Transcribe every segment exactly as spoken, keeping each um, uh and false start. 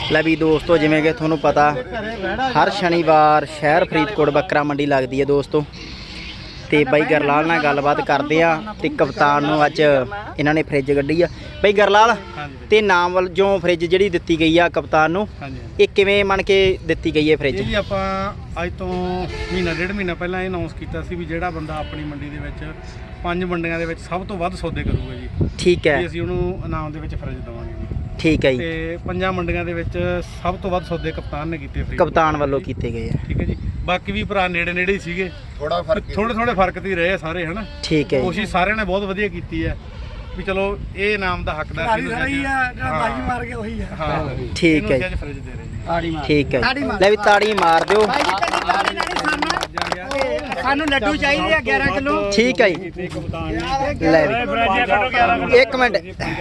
ਲੈ ਵੀ ਦੋਸਤੋ ਜਿਵੇਂ कि ਤੁਹਾਨੂੰ पता हर शनिवार शहर फरीदकोट बकरा मंडी लगती है दोस्तों। तो बई गरलाल नाल गलबात करते हैं तो कप्तान नूं अज इन्हां ने फ्रिज कड्ढी आ। बई गरलाल ते नाम वाल जो फ्रिज जिहड़ी दित्ती गई आ कप्तान नूं ये किवें मन के दित्ती गई है फ्रिज? जी आपां अज तो महीना डेढ़ महीना पहलां अनाउंस कीता सी भी जिहड़ा बंदा अपनी मंडी दे विच पंज मंडियां दे विच सब तो वध सौदे करूगा जी। ठीक है, असीं उहनूं इनाम दे विच फ्रिज देवांगे जी। ठीक है जी। ते पंजां मंडियां दे विच सब तो वध सौदे कप्तान ने कीते फ्री कप्तान वालों कीते गए हैं। ठीक है जी। बाकी भी भरा नेड़े नेड़े ही सीगे, थोड़ा फर्क थोड़े थोड़े फर्क ते रहे सारे है ना। ठीक है, कोशिश सारे ने बहुत वधिया कीती है भी चलो ये इनाम दा हकदार सी रही है बाजी मार के वही है। हां ठीक है, फ्रिज दे रहे जी। ठीक है, ले भी ताड़ी मार दो। सानू लड्डू चाहिए ग्यारह किलो। ठीक है जी, ले एक मिनट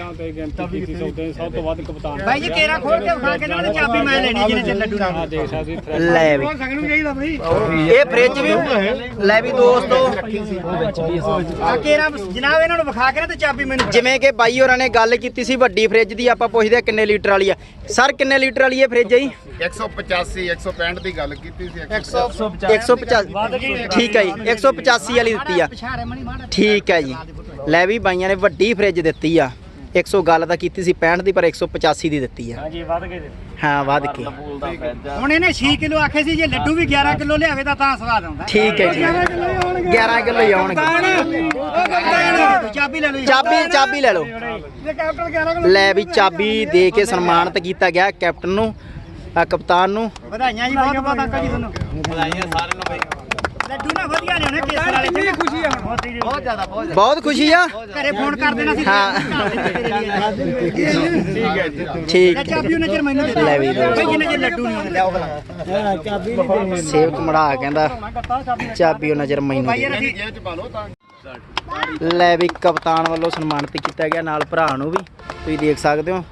भाई जी केरा खोल के उठा के ना चाबी मैं लेनी जिने च लड्डू ले भी ये फ्रिज भी ले भी दोस्तों आ केरा जनाब इन्हां नूं विखा के ना ते चाबी मैनूं जिवें कि बाई होरां ने गल कीती सी वड्डी फ्रिज दी। आपां पुछदे किन्ने लीटर वाली आ सर? किन्ने लीटर वाली है फ्रिज जी? एक सौ पचासी एक सौ पैंठ की गल की एक सौ पचासी। ठीक है जी, एक सौ पचासी वाली दी आ। ठीक है जी, लै भी बाइयां ने वड्डी फ्रिज दी आ। एक सौ गल तां कीती सी पैंठ की पर एक सौ पचासी की दी है। हाँ वध के हुण इहने छे किलो आखे सी जे लड्डू भी ग्यारह किलो लियावे तां तां स्वाद आउंदा। ठीक है जी, ग्यारह किलो ही आउणगे। चाबी ले लो, चाबी चाबी ले लो। ले भी चाबी दे के सन्मानित किया गया कैप्टन नूं कप्तान नूं। ਵਧਾਈਆਂ ਜੀ ਬਹੁਤ ਬਹੁਤ ਅੰਕਲ ਜੀ ਤੁਹਾਨੂੰ ਵਧਾਈਆਂ ਸਾਰਿਆਂ ਨੂੰ ਬਾਈ। ਲੱਡੂ ਨਾ ਵਧੀਆ ਨੇ ਉਹਨੇ ਕੇਸਰ ਵਾਲੇ ਚ ਖੁਸ਼ੀ ਆ ਬਹੁਤ ਜ਼ਿਆਦਾ ਬਹੁਤ बहुत खुशी आ। ਘਰੇ ਫੋਨ ਕਰ ਦੇਣਾ ਸੀ। हाँ ਠੀਕ ਹੈ ਜੀ ठीक ਚਾਬੀ ਉਹਨੇ ਚਿਰ ਮੈਨੂੰ ਦੇ ਦੇ ਲੈ ਵੀ ਬਈ ਜਿੰਨੇ ਚਿਰ ਲੱਡੂ ਨਹੀਂ ਆਉਂਦੇ ਲਿਆਓ ਭਲਾ ਚਾਬੀ ਸੇਵਕ ਮੜਾ ਕਹਿੰਦਾ ਚਾਬੀ ਉਹਨਾਂ ਚਿਰ ਮੈਨੂੰ ਭਾਈ ਯਾਰ ਅਸੀਂ जेब च पा लो तां ਲੈ ਵੀ ਕਪਤਾਨ ਵੱਲੋਂ ਸਨਮਾਨਿਤ ਕੀਤਾ ਗਿਆ ਨਾਲ ਭਰਾ ਨੂੰ ਵੀ ਤੁਸੀਂ ਦੇਖ ਸਕਦੇ ਹੋ।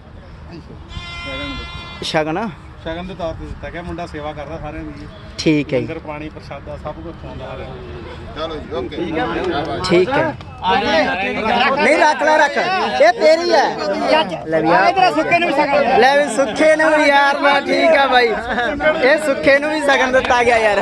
ਸ਼ਗਨ ਸ਼ਗਨ ਦੇ ਤੌਰ ਤੇ ਦਿੱਤਾ ਗਿਆ। ਮੁੰਡਾ ਸੇਵਾ ਕਰਦਾ ਸਾਰਿਆਂ ਦੀ ਜੀ। ਠੀਕ ਹੈ ਜੀ, ਲੰਗਰ ਪਾਣੀ ਪ੍ਰਸ਼ਾਦਾ ਸਭ ਕੁਝ ਖਵਾਉਂਦਾ ਸਾਰਿਆਂ ਨੂੰ। चलो जी ओके ठीक है। नहीं रख ला रख ये तेरी है। ले भी यार ਸੁੱਕੇ ਨੂੰ ਵੀ ਸਗਨ ले भी सुखे ने भी यार ना ठीक है भाई ये सुखे ने भी सगन दिता गया यार।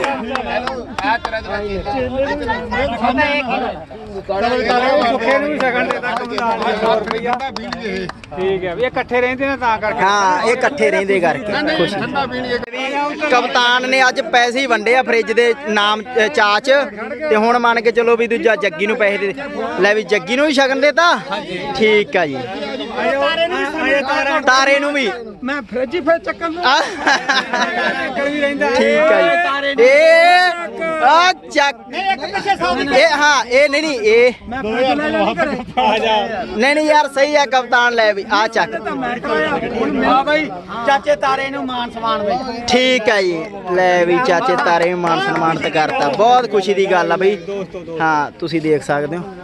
ਸੁੱਖੇ ਨੂੰ ਵੀ ਸ਼ਗਨ ਦੇ ਦਿੱਤਾ ਕਪਤਾਨ ਸੌ ਰੁਪਇਆ। ਠੀਕ ਹੈ ਵੀ ਇਹ ਇਕੱਠੇ ਰਹਿੰਦੇ ਨੇ ਤਾਂ ਕਰਕੇ। हाँ ये इकट्ठे रहंदे करके खुशी। कप्तान ने अज पैसे ही वंडे आ फ्रिज दे नाम चाच ते हुण मान के चलो भी दूजा जग्गी नूं पैसे दे ले भी जग्गी नूं भी शगन देता। ठीक है जी, तारे नूं भी ਮੈਂ ਫ੍ਰਿਜ ਹੀ ਫਿਰ ਚੱਕਣ ਨੂੰ ਵੀ ਰਹਿੰਦਾ। ठीक है जी। ए आ चक ए हाँ ए नहीं नहीं ए ਮੈਂ ਫ੍ਰਿਜ ਲੈ ਲੈਣੀ ਘਰੇ ਆ ਜਾ। नहीं नहीं यार सही है कप्तान ले भी आ चक। ਹਾਂ ਬਾਈ ਚਾਚੇ ਤਾਰੇ ਨੂੰ ਮਾਨ ਸਨਮਾਨ ਬਈ। ठीक है जी, ले भी चाचे तारे भी मान सम्मानित करता। बहुत खुशी की गल है बई। हाँ तुसी देख सकते हो।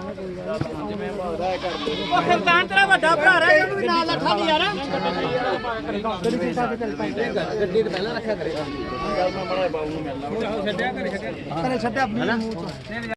ਉਹ ਕਪਤਾਨ ਤੇਰਾ ਵੱਡਾ ਭਰਾ ਰਹਿ ਉਹਨੂੰ ਵੀ ਨਾਲ ਲੱਠਾ ਨਹੀਂ ਯਾਰ। ਗੱਡੀ ਤੇ ਪਹਿਲਾਂ ਰੱਖਿਆ ਕਰੇ। ਗੱਲ ਮੈਂ ਬੜਾ ਬਾਬੂ ਨੂੰ ਮਿਲਣਾ। ਛੱਡਿਆ ਕਰੇ ਛੱਡਿਆ। ਕਰੇ ਛੱਡਿਆ।